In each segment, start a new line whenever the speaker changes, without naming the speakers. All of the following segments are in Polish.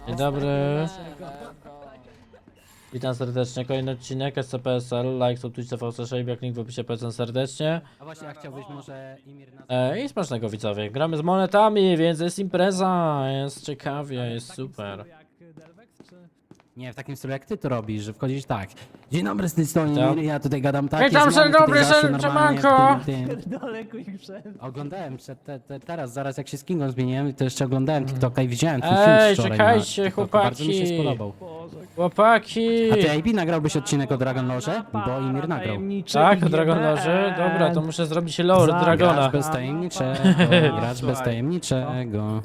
Dzień dobry. Witam serdecznie, kolejny odcinek SCPSL, like, subtweet, TV6, jak link w opisie, polecam serdecznie.
A właśnie, a chciałbyś może Imir na...
I smacznego widzowie, gramy z monetami, więc jest impreza, jest ciekawie, jest super.
Nie, w takim stylu jak ty to robisz, że wchodzisz tak. Dzień dobry, z tej strony
Witam.
Imir, ja tutaj gadam tak.
Witam,
jest Jan,
dzień
tutaj
dobry,
zawsze
dzień
normalnie
siemanko.
w tym. Oglądałem teraz, zaraz jak się z Kingą zmieniłem, to jeszcze oglądałem TikToka i widziałem twój film
Ej,
wczoraj
czekajcie,
na TikToku. Bardzo mi się
chłopaki.
spodobał.
Chłopaki!
A ty, AB, nagrałbyś odcinek o Dragon Lorze? Bo Imir nagrał.
Tak, o Dragon Lorze? Dobra, to muszę zrobić lore Dragona.
Gracz bez tajemniczego, gracz bez tajemniczego.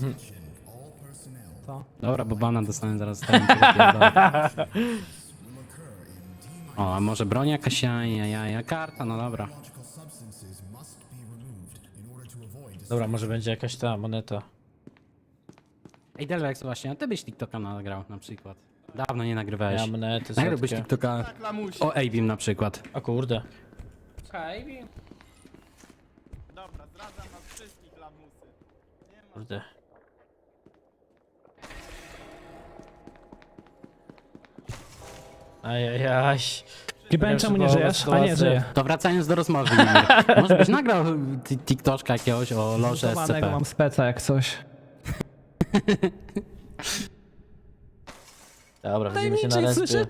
Dobra, bo bana dostanę zaraz z tajemniczego. O, a może broń jakaś, ja, karta, no dobra.
Dobra, może będzie jakaś ta moneta.
Ej, Delvex, właśnie, a ty byś TikToka nagrał na przykład. Dawno nie nagrywałeś.
Ja monety
Nagrałbyś
setkę.
TikToka o Abim na przykład.
O kurde.
Dobra, zdradzam was wszystkich lamusy.
Kurde. Ajajaj.
GBN, czemu nie żyjesz? A nie, żyję.
To wracając do rozmowy, Imir. Może byś nagrał TikToka jakiegoś o Lorze
Zbudowanego
SCP.
mam speca jak coś.
Dobra, widzimy się na respie.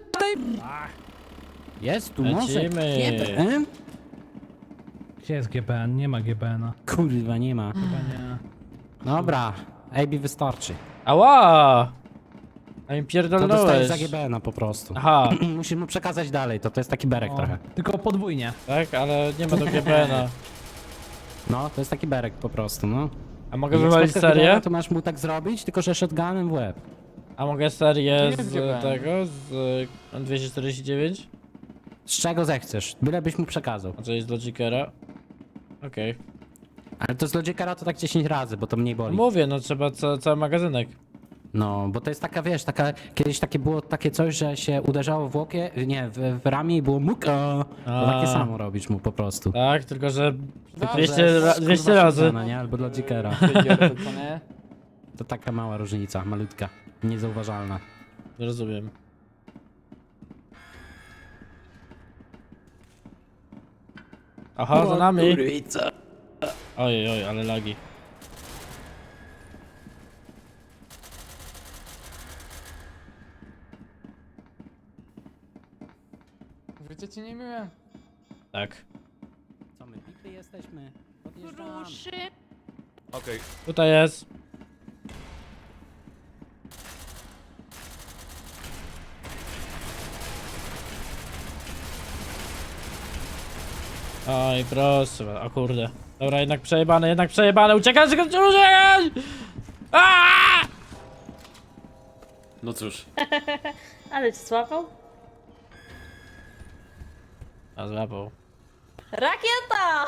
Jest tu może?
Lecimy.
GBN?
Gdzie jest GBN? Nie ma GBN-a.
Kurwa, nie ma.
Chyba nie.
Dobra, AB wystarczy.
Ała! A mi
To dostajesz
pierdolnąłeś.
za GBN-a po prostu.
Aha,
Musisz mu przekazać dalej, to jest taki berek
O,
trochę.
tylko podwójnie.
tak? Ale nie ma do GBN-a.
No, to jest taki berek po prostu, no.
A mogę
Jak
wywalić
spotkasz
serię?
GBN-a, to masz mu tak zrobić, tylko że shotgunem w łeb.
A mogę serię
jest
z
GBN?
tego? Z 249?
Z czego zechcesz, byle byś mu przekazał.
A co jest z Logicera? Okej.
Ale to z Logicera to tak 10 razy, bo to mniej boli.
Mówię, no trzeba cały magazynek.
No, bo to jest taka, wiesz, kiedyś takie było takie coś, że się uderzało w łokie, nie, w ramię i było muka. To takie samo robisz mu po prostu.
Tak, tylko że
Tylko,
200,
że
200
kurwa
razy.
shotguna, nie? Albo Logicera.
Co nie?
To taka mała różnica, malutka, niezauważalna.
Rozumiem. Aha, za nami. Ojej, oj, ale lagi.
Życie ci nie miłe.
Tak.
Co my, pipy jesteśmy? Podjeżdżamy.
Ruszy.
Tutaj jest. Oj, proszę, o kurde. Dobra, jednak przejebane, uciekać, uciekać! Aaaa!
No cóż,
Ale cię złapał?
A złapał.
Rakieta!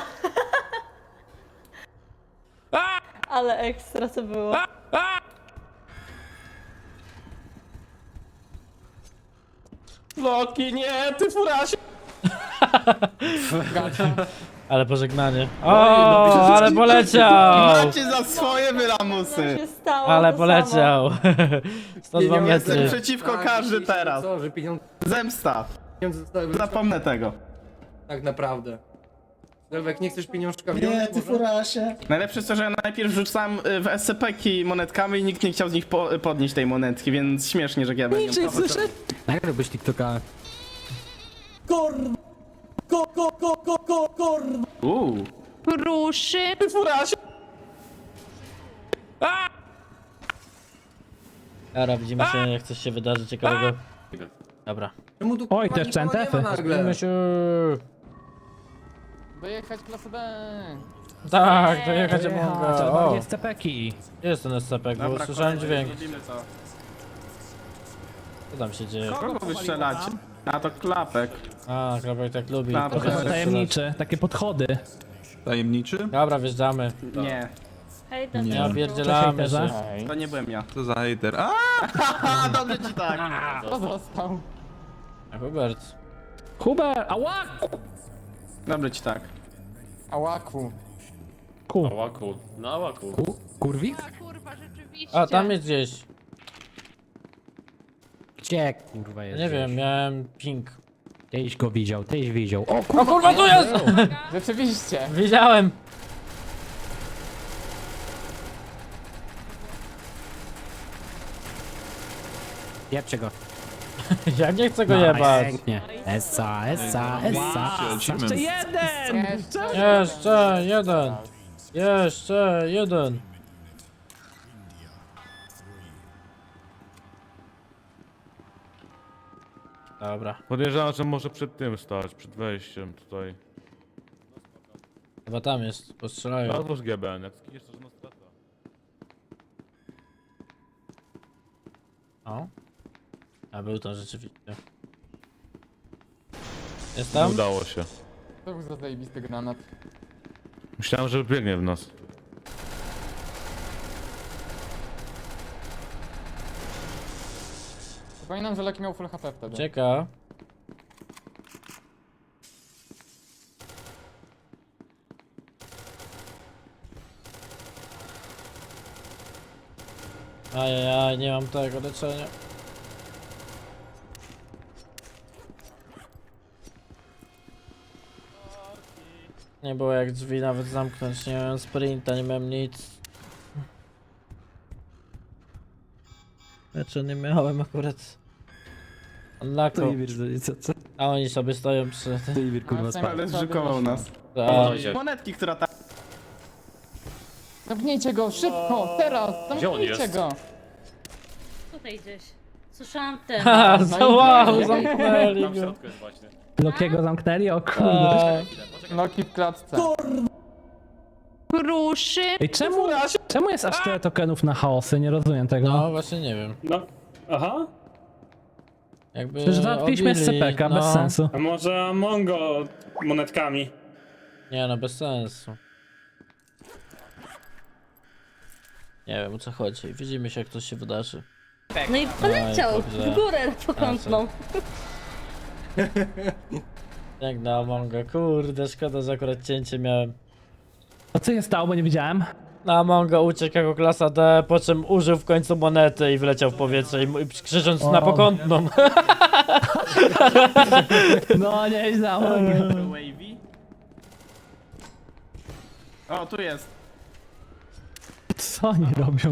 Ale ekstra to było.
Loki, nie, ty furasie!
Ale pożegnanie. O, ale poleciał!
Macie za swoje wy
Co
lamusy!
się stało?
Ale
to
poleciał. 102
Jestem
metry.
przeciwko każdy teraz.
Co, że pieniądze
Zemsta.
zostały
Zapomnę tego.
tak naprawdę. Delwek, nie chcesz pieniążka
Nie,
wziąć?
ty furasie.
Najlepsze jest to, że ja najpierw rzucam w SCP-ki monetkami i nikt nie chciał z nich podnieść tej monetki, więc śmiesznie, że ja będę ją
Nagrałbyś TikToka.
Ruszy.
Dobra, widzimy się, jak coś się wydarzy ciekawego. Dobra.
Czemu tu
Oj,
kurwa
też
nikogo nie ma
centefy.
nagle?
Widzimy się.
Dojechać klasę B.
Tak, dojechać
Trzeba
mogę. O,
bardziej SCP-ki.
gdzie jest ten SCP, bo słyszałem dźwięk. Co tam się dzieje?
Kogo wystrzelacie? A to klapek.
A, Krabek tak lubi.
Klapek.
Trochę strzelać.
Tajemniczy, takie podchody.
Tajemniczy?
Dobra, wjeżdżamy.
Nie,
Hej,
Nie
Cześć,
opierdzielamy
hejterze.
się.
to nie byłem ja.
Co za hater? A!
A, dobrze ci tak.
A Hubert.
Huber! Ała!
Dobrze ci tak.
Ałaku.
Ku.
Ałaku, na ałaku.
Kurwik?
kurwa, rzeczywiście.
A, tam jest gdzieś.
Gdzie kurwa jest?
Nie wiem, miałem ping.
Tyś go widział, tyś widział. O
O kurwa, tu jest!
Rzeczywiście.
Widziałem!
jebcie go.
Ja nie chcę go jebać.
Pięknie. Essa, essa, essa.
Lecimy.
Jeszcze jeden. Jeszcze jeden. Dobra,
Podejrzewam, że może przed tym stać, przed wejściem tutaj.
chyba tam jest, postrzelają.
Albo z GBN, jak skiniesz to żadna strata.
O. A był tam rzeczywiście. Jest
Nie
tam?
udało się.
To był za zajebisty granat.
Myślałem, że biegnie w nas.
Przypominam, że Leki miał full HP wtedy.
Czeka. Ajajaj, nie mam tego leczenia. Nie było jak drzwi nawet zamknąć, nie miałem sprinta, nie miałem nic. Znaczy nie miałem akurat. Unlocko.
Co?
A oni sobie stoją przy tym.
Ty kurwa spadł.
Ale zrzukował nas.
A,
Monetki, która tam...
Zamknijcie go, szybko, teraz! Zamknijcie go!
Tutaj gdzieś. Słyszałam ten.
ha,
No i
wow,
pięknie.
zamknęli go.
Lokiego zamknęli? O kurde.
A,
Loki w klatce.
Gruszy.
Ej, czemu jest aż tyle tokenów na chaosy? Nie rozumiem tego.
no właśnie nie wiem.
No, aha.
Jakby
Przecież załatwiliśmy
obili,
SCP-ka, bez sensu.
A może Mongo monetkami?
Nie no, bez sensu. Nie wiem o co chodzi. Widzimy się jak coś się wydarzy.
No i poleciał
dobrze.
w górę pokątną.
Jak na Amonga, kurde, szkoda, że akurat cięcie miałem.
A co się stało, bo nie widziałem?
Na Amonga uciekł jako klasa D, po czym użył w końcu monety i wleciał w powietrze i krzycząc na pokątną.
No nieźle.
Wavy. O, tu jest.
Co oni robią?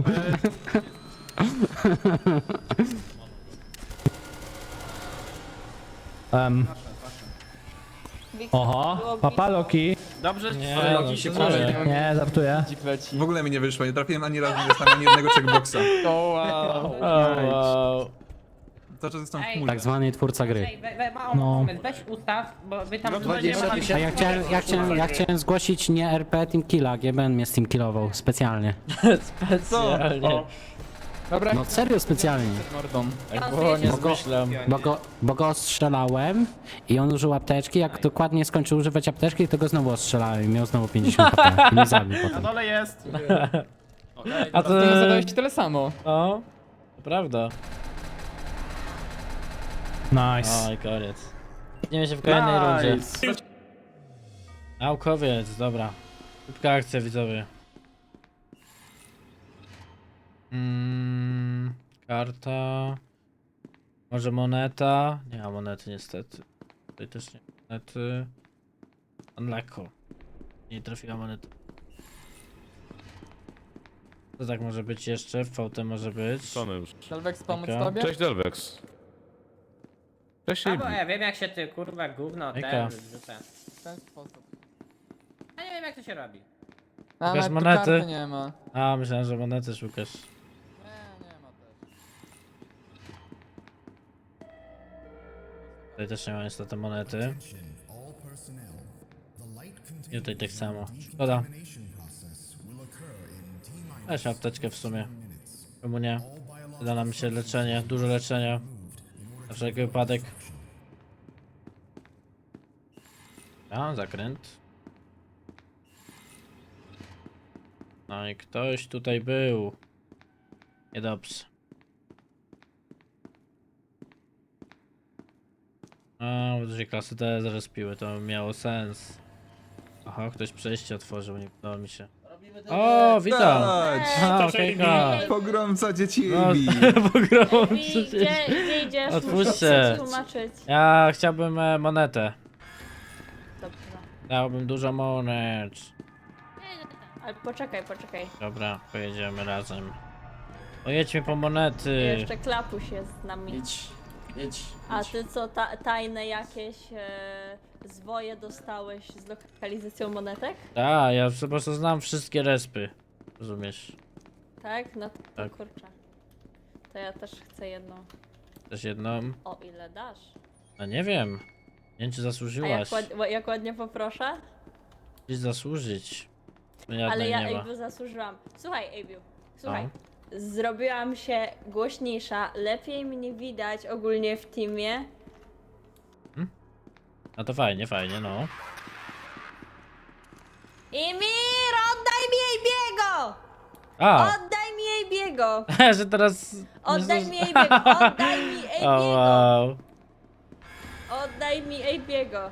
Oho, papa Loki.
Dobrze,
Nie,
ale
no,
Loki się
co
pożegnał.
jest?
Nie, żartuję.
Dzik leci.
W ogóle mi nie wyszło, nie trafiłem ani razu, nie dostałem ani jednego checkboxa.
O wow.
O, wow.
Cały czas jestem w
Tak
chmurze.
zwany twórca gry.
No.
Weź ustaw, bo wy tam...
A ja chciałem zgłosić nie RP Team Killa, GBN mnie Steam killował, specjalnie.
Specjalnie.
Dobra,
No serio specjalnie.
mordą.
Tak było, nie
Bo go-
zmyślam.
Bo go ostrzelałem i on użył apteczki, jak dokładnie skończył używać apteczki, to go znowu ostrzelałem i miał znowu 50 HP i mnie zabił
Na
potem.
dole jest.
A
Ty nie
ty...
zadałeś tyle samo.
O, to prawda.
Nice.
Oj, koniec. Widzimy się w kolejnej rundzie.
Nice.
Naukowiec, dobra. Szybka akcja, widzowie. Karta. Może moneta? Nie ma monety niestety. Tutaj też nie ma monety. Unlocko. Nie trafiła moneta. Co tak może być jeszcze? VT może być.
Sony już.
Delvex pomóc
Okej.
tobie?
Cześć Delvex. Cześć
A bo
Ibi.
ja wiem jak się ty kurwa gówno
Ejka.
ten wrzuca.
W ten sposób.
Ja nie wiem jak to się robi.
A
Pokaż
nawet tu
monety.
karty nie ma.
A, myślałem, że monety szukasz.
Nie ma też.
Tutaj też nie ma niestety monety. I tutaj tak samo. Szkoda. Weź apteczkę w sumie. Czemu nie? Da nam się leczenie, dużo leczenia. Na wszelki wypadek. A, zakręt. No i ktoś tutaj był. Niedobrze. A, bo to się klasy D zaraz piły, to miało sens. Aha, ktoś przejście otworzył, nie udało mi się.
Robimy
O, witam. A,
Cześć.
okejka.
Pogromca dzieci
No,
Ebi.
pogromcy.
Gdzie idziesz?
Otwórzcie.
Muszę ci tłumaczyć.
Ja chciałbym monetę.
Dobrze.
Dałbym dużo monet.
Ale poczekaj.
Dobra, pojedziemy razem. Pojedźmy po monety.
Jeszcze Klapuś jest z nami.
Idź.
A ty co, tajne jakieś zwoje dostałeś z lokalizacją monetek?
Tak, ja po prostu znam wszystkie respy. Rozumiesz?
Tak? No to
Tak.
kurczę. To ja też chcę jedną.
Też jedną?
O ile dasz?
No nie wiem. Nie wiem, czy
A
zasłużyłaś.
jak ładnie poproszę?
Gdzieś zasłużyć. No
Ale
jadnej
ja
nie ma.
jakby zasłużyłam. Słuchaj, Abiu, słuchaj.
No.
Zrobiłam się głośniejsza, lepiej mnie widać ogólnie w teamie.
No to fajnie, no.
Imir, oddaj mi Abiego!
A!
Oddaj mi Abiego!
Że teraz...
Oddaj mi Abiego! Oddaj mi
O
Abiego!
wow.
Oddaj mi Abiego!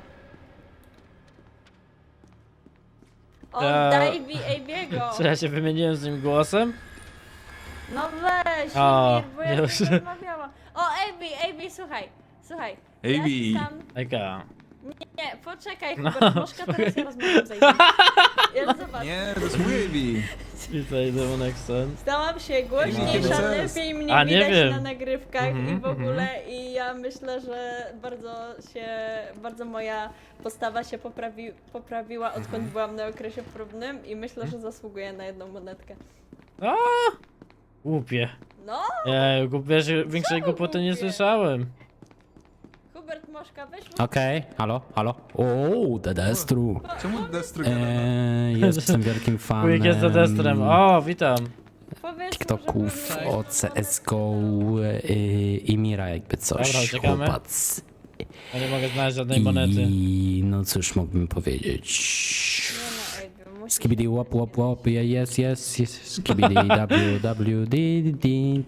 Oddaj mi Abiego!
Czy ja się wymieniłem z nim głosem?
No weź,
O,
Imir, bo ja
już.
z nim rozmawiałam. O, Abi, słuchaj.
Abi.
Ja tam...
Ejka.
Nie, poczekaj,
No,
Hubert, Moszka, teraz ja rozmawiam z Abi. Ja zobacz.
Nie, to jest mój Ebi.
Witaj, Demonexon.
Stałam się
Ej,
głośniejsza,
no,
lepiej mnie
A, nie
widać
wiem.
na nagrywkach
Mhm,
i w ogóle i ja myślę, że bardzo moja postawa się poprawiła odkąd byłam na okresie próbnym i myślę, że zasługuję na jedną monetkę.
O! Głupie.
No,
Wiesz, większej głupoty nie
głupie?
słyszałem.
Hubert Moszka, weź mu...
Okej, halo. O, Dedestru.
Czemu Destru
Jestem wielkim fanem
Quick jest za destrem. O, witam.
Powiedz mu,
TikToków
żeby-
o CSGO i Mira jakby coś.
Dobra, uciekamy.
Chłopac.
Ja nie mogę znaleźć żadnej monety.
I no cóż mógłbym powiedzieć.
Nie no, Abi, musisz...
Skibidi łop, yes, skibidi wwdd.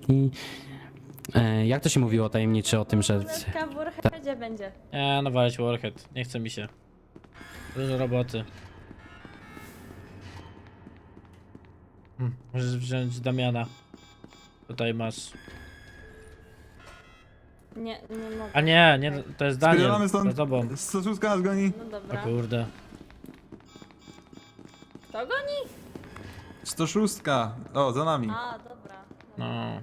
Jak to się mówiło tajemniczy o tym, że...
Monetka w Warheadzie będzie.
Nie, no walić Warhead. Nie chce mi się. Dużo roboty. Możesz wziąć Damiana. Tutaj masz.
Nie mogę.
A nie, to jest Daniel.
Spierdolamy
Za
stąd.
tobą.
106 nas goni.
No
O
dobra.
kurde.
Kto goni?
106. O, za nami.
A, dobra.
No.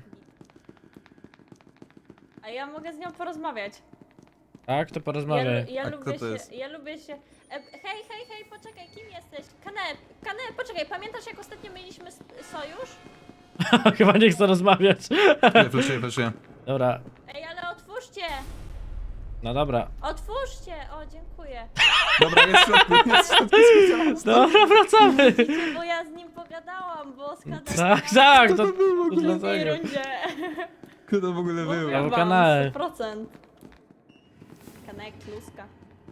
A ja mogę z nią porozmawiać.
Tak, to porozmawiaj.
Ja
A kto
lubię
to
się,
jest?
ja lubię się... Hej, poczekaj, kim jesteś? Kane, poczekaj, pamiętasz jak ostatnio mieliśmy sojusz?
Chyba nie chcę rozmawiać.
Fleszuję.
Dobra,
Ej, ale otwórzcie!
no dobra.
Otwórzcie! O, dziękuję.
Dobra, jest w środku.
Dobra, wracamy.
Widzicie, bo ja z nim pogadałam, bo skadałam
Tak, to
to było w
w
ogóle?
drugiej
dlatego.
rundzie.
Kto to w ogóle był?
Ja
Mówiłam
w kanale.
100%. Kanek, kluska.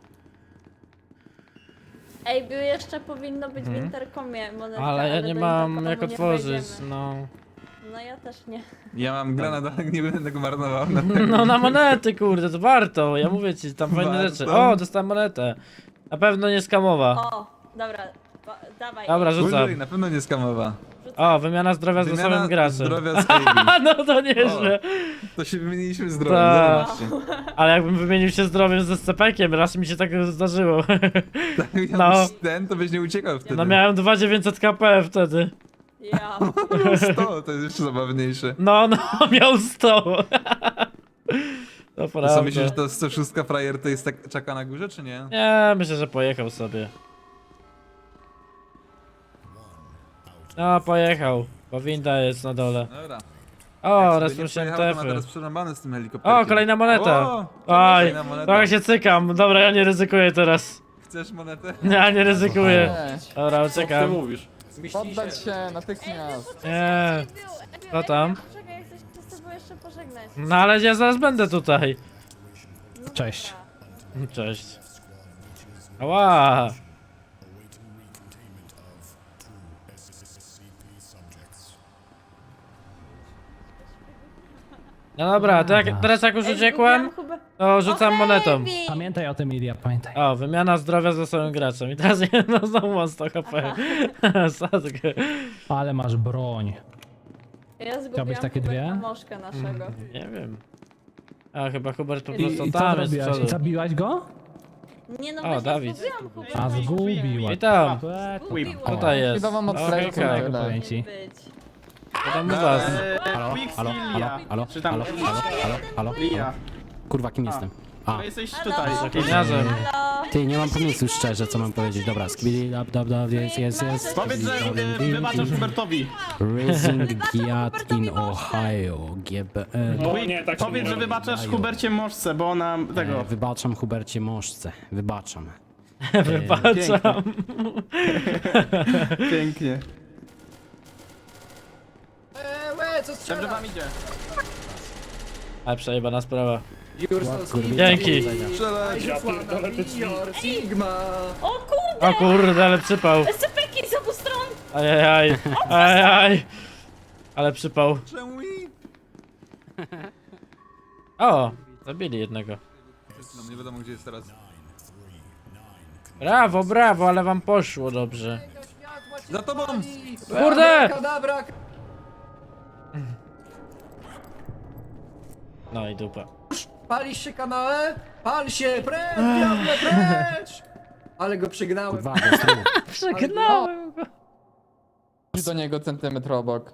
Ej, by jeszcze powinno być w interkomie monetka,
Ale ja nie
do
mam
interkomu
jak
nie
otworzyć,
wejdziemy.
no.
No ja też nie.
Ja mam granat, ale nie będę go marnował.
No na monety, kurde, to warto. Ja mówię ci, tam fajne
Warto.
rzeczy. O, dostałem monetę. Na pewno nie skamowa.
O, dobra, dawaj.
Dobra, rzucam.
Użyj, na pewno nie skamowa.
O, wymiana zdrowia z losowym graczem.
zdrowia z Ebi.
No to nieźle.
To się wymieniliśmy zdrowiem,
Tak.
zobaczcie.
Ale jakbym wymienił się zdrowiem ze scepekiem, raz mi się tak zdarzyło.
Ja
No.
ten, to byś nie uciekał wtedy.
No miałem 2900 KP wtedy.
Ja.
Miał 100, to jest jeszcze zabawniejsze.
No, miał 100. To
To
prawda.
co, myślisz, że to 106 frajer to jest tak czeka na górze, czy nie?
Nie, myślę, że pojechał sobie. No, pojechał. Bo winda jest na dole.
Dobra.
O,
Jak sobie
raz
nie
musiałem
pojechał, to ma
tefy.
teraz przerąbane z tym helikopterem.
O, kolejna moneta.
O,
Oj,
kolejna moneta.
trochę się cykam. Dobra, ja nie ryzykuję teraz.
Chcesz monetę?
Ja nie ryzykuję.
Nie,
Dobra, uciekam.
mówisz?
poddać się natychmiast.
Nie. Co tam?
Czekaj, ja chcę się z tobą jeszcze pożegnać.
No ale ja zaraz będę tutaj.
No
Cześć.
dobra.
Cześć. Ała. No dobra, to teraz jak już uciekłem, to rzucam monetą.
Pamiętaj o tym, Ilia, pamiętaj.
O, wymiana zdrowia z losowym graczem. I teraz no znowu mam 100 HP. Sadkę.
Ale masz broń.
Ja
Chciałbyś takie dwie?
Moszkę naszego.
Nie wiem. A chyba Hubert po
I
prostu
co
tam jest z
zrobiłaś?
przodu.
Zabiłaś go?
Nie no,
O,
właśnie
Dawid.
zgubiłam Huberta
A
i
zgubiła.
I tam,
Zgubiłam.
tutaj jest.
Chwilę wam odkleję
Okej,
tyle.
okay.
Powiem ci.
Być.
To tam u was.
Halo,
Quick
halo,
Lia.
halo,
Czy tam
halo.
Lia.
Kurwa, kim jestem? A,
No jesteś
Halo?
tutaj.
Gliniarzem.
Halo?
ty, nie mam pomysłu szczerze, co mam powiedzieć. Dobra, skibidi dab, jest.
Powiedz, że wybaczasz Hubertowi.
Raising Giat in Ohio, GBN.
O nie, tak się
Powiedz,
nie
że
robi.
wybaczasz Hubercie Moszce, bo ona tego...
Wybaczam Hubercie Moszce, wybaczam.
Wybaczam.
Pięknie.
Co
Dobrze wam idzie.
Ale przejebana sprawa.
Jurson,
Dzięki.
Strzelać!
Ja pierdolę te drzwi.
Sigma!
O kurde!
O kurde, ale przypał.
SCP-ki z obu stron!
Ajajaj. Ajajaj. Ale przypał.
Czemu mi?
O, zabili jednego.
No, nie wiadomo gdzie jest teraz.
Brawo, brawo, ale wam poszło dobrze.
Za tobą!
Kurde!
Kadabra!
No i dupa.
Palisz się kanale? Pal się! Precz, diable, precz! Ale go przygnałem.
Kurwa, go z tyłu.
Przegnałem go.
Idź do niego centymetr obok.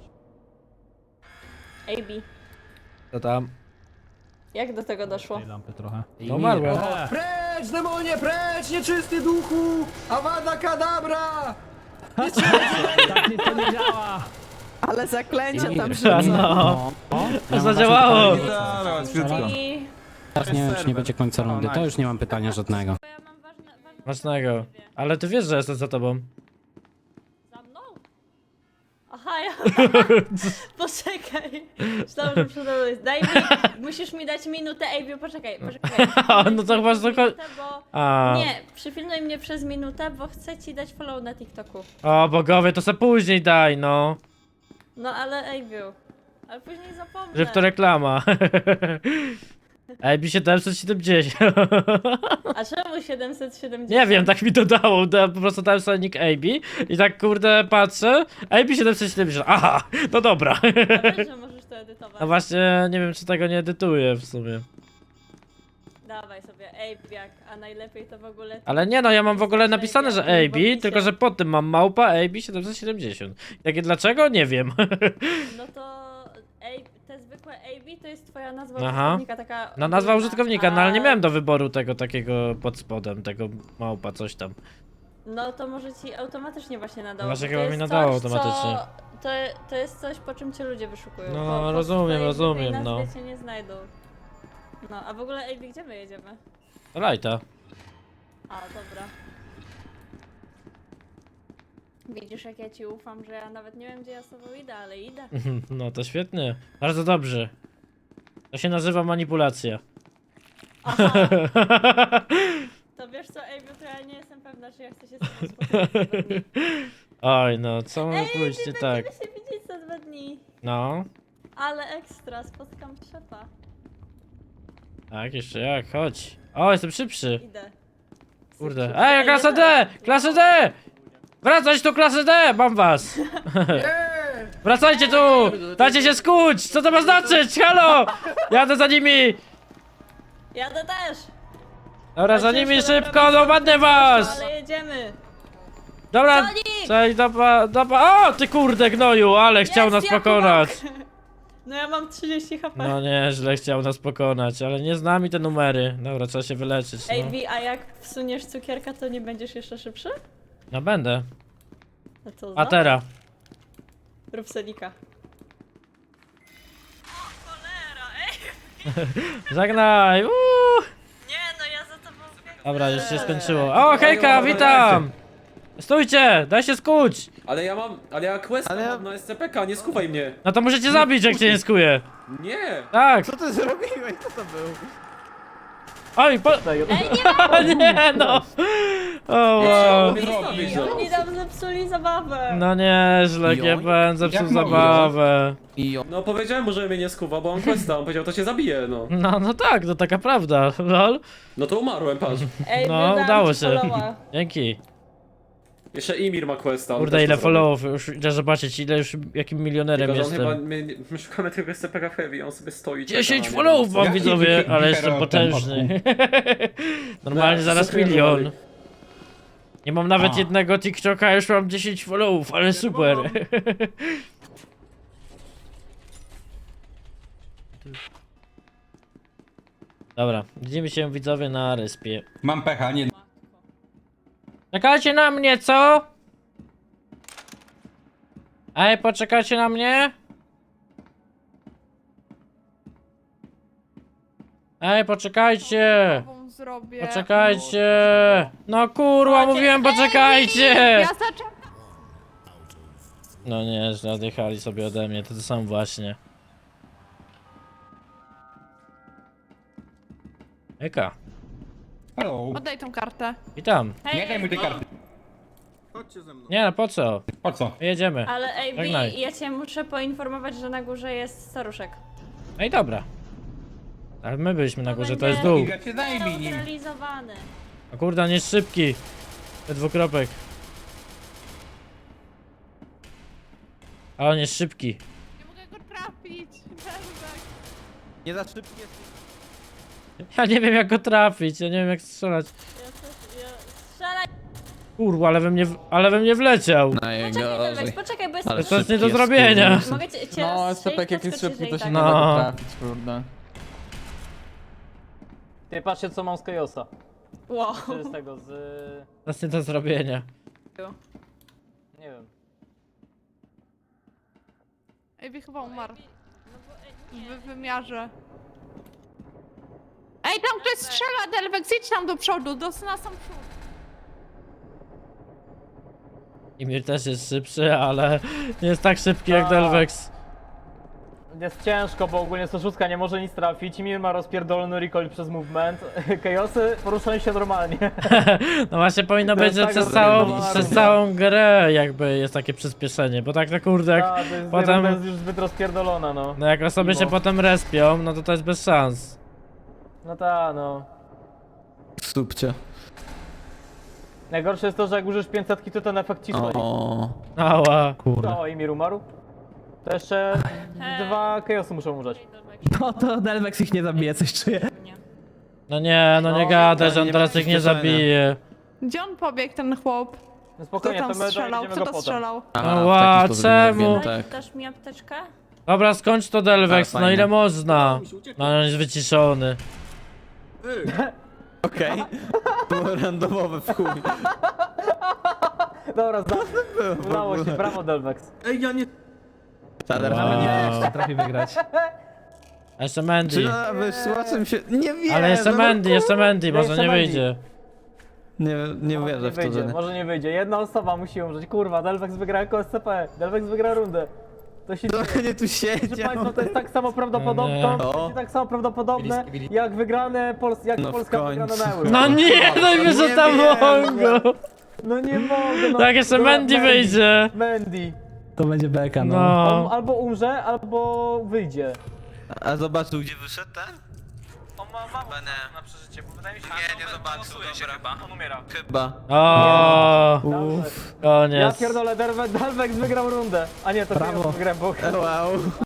AB,
Co tam?
jak do tego doszło?
Tej lampy trochę.
No umarłem.
Precz, demonie, precz! Nieczysty duchu! Awada kadabra!
Tak nic to nie działa!
Ale zaklęcia tam
No,
Ja
zadziałało.
Gitara, łatwiutko.
I...
Teraz nie wiem, czy nie będzie końca rundy, to już nie mam pytania żadnego.
Bo ja mam ważne
Ważnego. Ale ty wiesz, że jestem za tobą.
Za mną? Aha, ja... Poczekaj. Myślałam, że przede mną jest. Daj mi... Musisz mi dać minutę, AB, poczekaj.
No to chyba tylko...
Minutę, bo...
A.
Nie, przyfilmuj mnie przez minutę, bo chcę ci dać follow na TikToku.
O bogowie, to se później daj, no.
No ale AB, ale później zapomnę.
Że w to reklama. AB 770.
A czemu 770?
Nie wiem, tak mi to dało. Po prostu dałem sobie nick AB i tak kurde patrzę. AB 770. Aha, no dobra.
Ja wiem, że możesz to edytować.
No właśnie, nie wiem czy tego nie edytuję w sumie.
Dawaj sobie AB, a najlepiej to w ogóle...
Ale nie no, ja mam w ogóle napisane, że AB,
Bo
tylko że pod tym mam małpa AB 770. Takie dlaczego? Nie wiem.
No to te zwykłe AB to jest twoja nazwa
Aha.
użytkownika, taka...
No nazwa
ogólna,
użytkownika, no ale nie
a-
miałem do wyboru tego takiego pod spodem, tego małpa coś tam.
No to może ci automatycznie właśnie nadało.
Właśnie
bo to
chyba mi
jest
nadało
coś,
automatycznie.
To jest coś, po czym cię ludzie wyszukują.
No,
po
rozumiem,
swojej
rozumiem,
nazwie
no.
cię nie znajdą. No, a w ogóle AB, gdzie my jedziemy?
To lajta.
A, dobra. Widzisz, jak ja ci ufam, że ja nawet nie wiem, gdzie ja z tobą idę, ale idę.
No to świetnie. Bardzo dobrze. To się nazywa manipulacja.
Aha. To wiesz co, AB, to ja nie jestem pewna, czy ja chcę się z tobą spotkać za 2 dni.
Oj no, co może pójść nie tak?
Będziemy się widzieć za 2 dni.
No,
Ale ekstra, spotkam szefa.
tak, jeszcze jak, chodź. O, jestem szybszy.
Idę.
Kurde. Ej, klasa D! Klasę D! Wracać tu, klasę D! Mam was! Wracajcie tu! Dajcie się skuć! Co to ma znaczyć? Halo! Jadę za nimi!
Jadę też!
Dobra, za nimi szybko, dopadnę was!
Ale jedziemy!
Dobra,
Sonic!
cześć, o, ty kurde gnoju, ale chciał
Jest,
nas
ja
pokonać.
No ja mam 30 HP.
No nieźle chciał nas pokonać, ale nie zna mi te numery. Dobra, trzeba się wyleczyć, no.
AB, a jak wsuniesz cukierka, to nie będziesz jeszcze szybszy?
No będę.
No to
A teraz.
rób selika.
Żegnaj!
Nie no, ja za tobą biegam.
Dobra, już się skończyło. O, hejka, witam! Stójcie, daj się skuć!
Ale ja quest mam na SCPK, nie skuwaj mnie.
No to możecie zabić, jak cię nie skuje.
Nie!
Tak.
Co ty zrobiłeś? Co to był?
Oj,
Ej, nie ma!
nie no! O, wow.
Oni nam zepsuli zabawę.
No nieźle, GBN zepsuł zabawę.
No powiedziałem mu, że mnie nie skuwa, bo on questa, on powiedział, to cię zabije, no.
No tak, to taka prawda, lol.
No to umarłem, patrz.
Ej,
No,
wydałam
udało
ci
się.
followa.
Dzięki.
Jeszcze Imir ma questa. on
Kurde,
też
ile
to zrobił.
followów, już idę zobaczyć, ile już, jakim milionerem
Tylko, że on
jestem.
chyba, my szukamy tego SCP Heavy, on sobie stoi. czeka
10
na
followów
niego.
mam, widzowie, ale jestem potężny. Normalnie
No,
zaraz
wszystko
milion.
wywali.
Nie mam nawet jednego TikToka, a już mam 10 followów, ale super. Dobra, widzimy się widzowie na respie.
Mam pecha, nie.
Czekajcie na mnie, co? Ej, poczekajcie na mnie? Ej, poczekajcie!
Zrobię.
Poczekajcie! No kurwa, mówiłem poczekajcie! No nie, że odjechali sobie ode mnie, to sam właśnie. Eka,
Hello.
Oddaj tą kartę.
witam.
Nie daj mu tej karty.
Nie no, po co?
Po co?
Jedziemy.
Ale ej,
Żegnaj.
Bi, ja cię muszę poinformować, że na górze jest staruszek.
No i dobra. Ale my byliśmy na górze, to jest dół.
Iga cię zajmij nim.
Neutralizowany.
A kurde, on jest szybki. Te dwukropek. A on jest szybki.
Nie mogę go trafić.
Nie za szybkie.
Ja nie wiem jak go trafić, ja nie wiem jak strzelać.
Strzelaj!
Kurwa, ale we mnie wleciał.
Poczekaj, Delvex, poczekaj, bo jest...
To jest nie do zrobienia.
Mogę cię
No,
rozstrzelić,
SCP jak jest
podskoczyć,
szybki, to
jeżeli
się
tak.
nie
No.
da go trafić, kurde.
Ty patrzcie co mam z Kajosa.
Wow.
Z tego, z...
To jest nie do zrobienia.
nie wiem.
Ej, chyba umarł. W wymiarze. Ej, tam ktoś strzela, Delvex, idź tam do przodu, na sam przód.
Imir też jest szybszy, ale nie jest tak szybki jak Delvex.
Jest ciężko, bo ogólnie 106 nie może nic trafić. Mir ma rozpierdolony recoil przez movement. Kajosy poruszają się normalnie.
No właśnie powinno być, że
tak
przez całą grę jakby jest takie przyspieszenie, bo tak na kurde jak
Ta, to jest,
potem-
to jest już zbyt rozpierdolona, no.
no jak osoby się potem respią, no to jest bez szans.
No ta, no.
Stupcie.
Najgorsze jest to, że jak użysz 500 to ten efekt ci stoi.
Ała.
Kurde.
O, Imir umarł. To jeszcze 2 Kajosy muszą umrzeć.
No to Delvex ich nie zabije, coś czuję.
No nie gadaj, że on teraz ich nie zabije.
Gdzie on pobiegł, ten chłop?
No spokojnie, to my dojedziemy go potem.
Ała, czemu?
Dasz mi apteczkę?
Dobra, skończ to Delvex, no ile można? No on jest wyciszony.
Okej. Było randomowe w chuj.
Dobra, udało się, brawo Delvex.
Wow.
Trafi wygrać.
A jeszcze Mandy.
Wyszła czym się... Nie wiem.
Ale jeszcze Mandy, może
Jeszcze
nie
Mandy.
wyjdzie.
Nie wierzę w to,
wyjdzie,
że...
może nie wyjdzie. Jedna osoba musi umrzeć. Kurwa, Delvex wygra jako SCP. Delvex wygra rundę. To się dzieje.
nie tu
Proszę
siedział.
Państwa, to jest tak samo prawdopodobne,
No
to będzie tak samo prawdopodobne jak wygrane
No w
Polska wygrana
końcu.
na Euro.
No nie, daj mi, że tam Mongo.
No nie mogę, no.
Tak, jeszcze
Dobra,
Mandy wyjdzie.
Mandy.
To będzie beka, no.
On
No.
albo umrze, albo wyjdzie.
A zobaczył gdzie wyszedł ten?
On ma mało na przeżycie, bo wydaje mi się, że
nie zobaczył, dobra.
on umiera.
Chyba.
O,
Ja
koniec.
pierdolę, Delvex wygrał rundę. A nie, to
Brawo.
ja wygrałem, bo...
Wow.